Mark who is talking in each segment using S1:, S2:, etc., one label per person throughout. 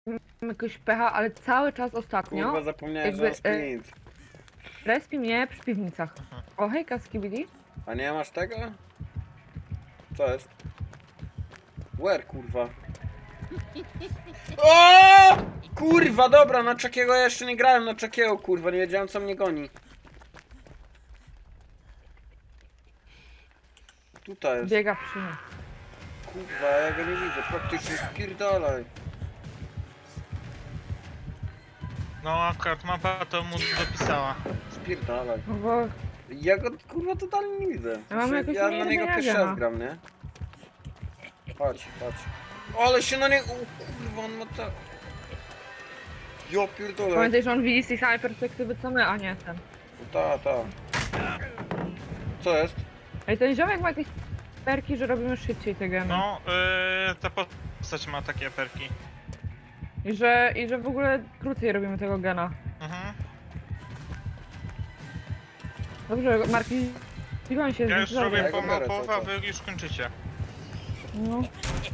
S1: jakoś pecha, ale cały czas ostatnio
S2: Kurwa, zapomniałem, że
S1: jakby,
S2: mam sprint.
S1: respi mnie przy piwnicach. O, hejka, Skibidi.
S2: A nie masz tego? Co jest? Where, kurwa? O! Kurwa, dobra, na Chuckiego ja jeszcze nie grałem, na Chuckiego, kurwa, nie wiedziałem, co mnie goni. Tutaj jest.
S1: Biega przy mnie.
S2: Kurwa, ja go nie widzę, praktycznie spierdalaj.
S3: No akurat mapa to mu dopisała.
S2: Spierdalaj.
S1: No bo
S2: Ja go, kurwa, totalnie nie widzę.
S1: Ja mam jakoś
S2: Ja
S1: nie
S2: na niego
S1: widzenia
S2: pierwszy
S1: gena.
S2: raz gram, nie? Patrz, patrz. Ale się na niego... O kurwa, on ma tak... Ja pierdolę.
S1: pamiętaj, że on widzi z tej samej perspektywy co my, a nie ten.
S2: Ta, ta. Co jest?
S1: Ej, ten ziomek ma jakieś perki, że robimy szybciej te gemy.
S3: No, ta postać ma takie perki.
S1: I że w ogóle krócej robimy tego gena.
S3: Mhm.
S1: Dobrze, Marki, zbiłem się
S3: Ja już robię
S2: Ja go biorę
S3: połowę, a
S2: cały
S3: wy już kończycie.
S1: No.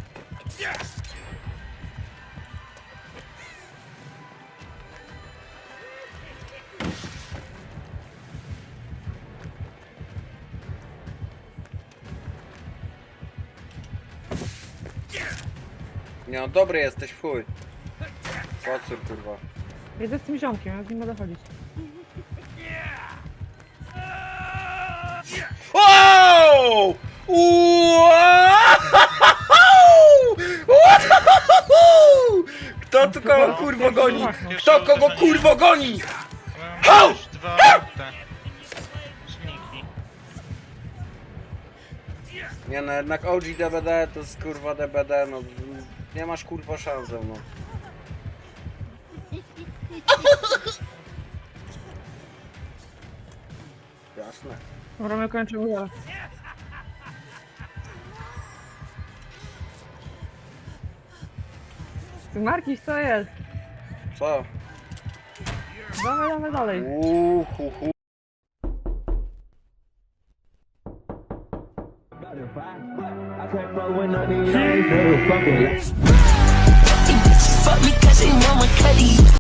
S2: Nie no, dobry jesteś, w chuj. Pocór, kurwa.
S1: Jedę z tym ziomkiem, ja z nim będę chodzić.
S2: Wow! Kto tu kogo kurwo goni? Kto kogo kurwo goni?
S3: Mam już dwa te silniki.
S2: Nie no, jednak OG DBD to jest kurwa DBD, no. Nie masz kurwa szans ze mną. Jasne.
S1: Dobra, my kończymy zaraz. Ty Markiś, co jest?
S2: Co?
S1: Dawaj dalej.
S2: Hu, hu.
S4: I can't fuck with none of these niggas, fuck with.
S5: Fuck me cause they want my cutty.